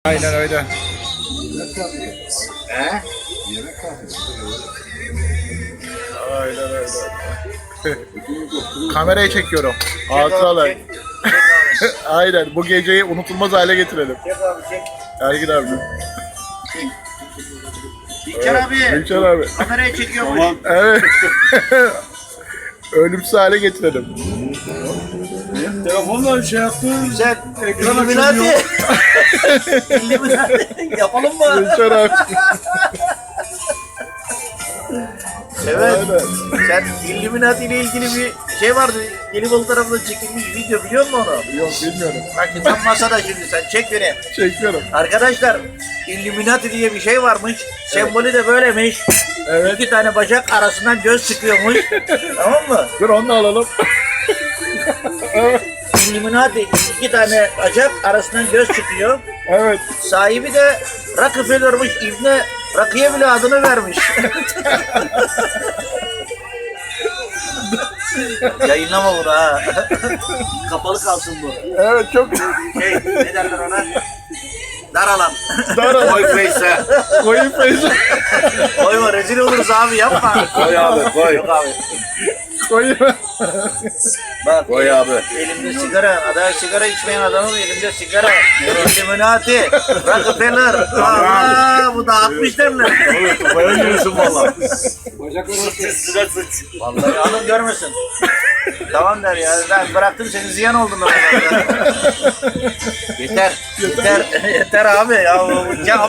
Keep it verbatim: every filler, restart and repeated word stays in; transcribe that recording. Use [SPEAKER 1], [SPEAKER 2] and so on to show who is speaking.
[SPEAKER 1] Aynen öyle.
[SPEAKER 2] He?
[SPEAKER 1] Aynen öyle. Kamerayı çekiyorum. Hatıralar.
[SPEAKER 2] Çek, çek abi.
[SPEAKER 1] Aynen. Bu geceyi unutulmaz hale getirelim.
[SPEAKER 2] Çek abi çek.
[SPEAKER 1] Ergin abi.
[SPEAKER 2] İlker abi.
[SPEAKER 1] İlker abi.
[SPEAKER 2] Kameraya çekiyormuş.
[SPEAKER 3] Tamam.
[SPEAKER 1] Evet. Ölümsüz hale getirelim.
[SPEAKER 3] Telefonla şey yaptın.
[SPEAKER 2] Güzel.
[SPEAKER 3] Ekran
[SPEAKER 2] İlluminati.
[SPEAKER 3] açılmıyor.
[SPEAKER 2] İlluminati. Yapalım mı?
[SPEAKER 1] İlker abi.
[SPEAKER 2] Evet.
[SPEAKER 1] Aynen.
[SPEAKER 2] Sen Illuminati ile ilgili bir şey vardı. Gelibolu tarafında çekilmiş video biliyor musun onu?
[SPEAKER 1] Yok bilmiyorum.
[SPEAKER 2] Bak tam masada şimdi sen çek beni.
[SPEAKER 1] Çekiyorum.
[SPEAKER 2] Arkadaşlar Illuminati diye bir şey varmış. Sembolü de böylemiş.
[SPEAKER 1] Evet.
[SPEAKER 2] İki tane bacak arasından göz çıkıyormuş. Tamam mı?
[SPEAKER 1] Dur onu da alalım. Evet.
[SPEAKER 2] Illuminati iki tane bacak arasından göz çıkıyor.
[SPEAKER 1] Evet.
[SPEAKER 2] Sahibi de Rockefeller'mış. İbne Rakı'ya bile adını vermiş. Yayınlama bunu ha. Kapalı kalsın bu.
[SPEAKER 1] Evet çok
[SPEAKER 2] Şey ne derler ona? Dar alan.
[SPEAKER 1] dar
[SPEAKER 3] Koy Face'e.
[SPEAKER 1] koyun feyzi.
[SPEAKER 2] Koyma rezil oluruz abi yapma.
[SPEAKER 3] Koy abi koy.
[SPEAKER 2] Yok abi.
[SPEAKER 1] Koyun.
[SPEAKER 2] Bak
[SPEAKER 3] Koy abi.
[SPEAKER 2] elimde sigara, adam sigara içmeyen adamın elimde sigara. Illuminati, Rockefeller. Aa, bu dağıtmış derler.
[SPEAKER 3] Koya giriyorsun valla.
[SPEAKER 2] Üstüne suç. Vallahi alın görmesin. Tamam der ya. Ben bıraktım seni ziyan oldun. yeter. Yeter. Yeter abi ya. ya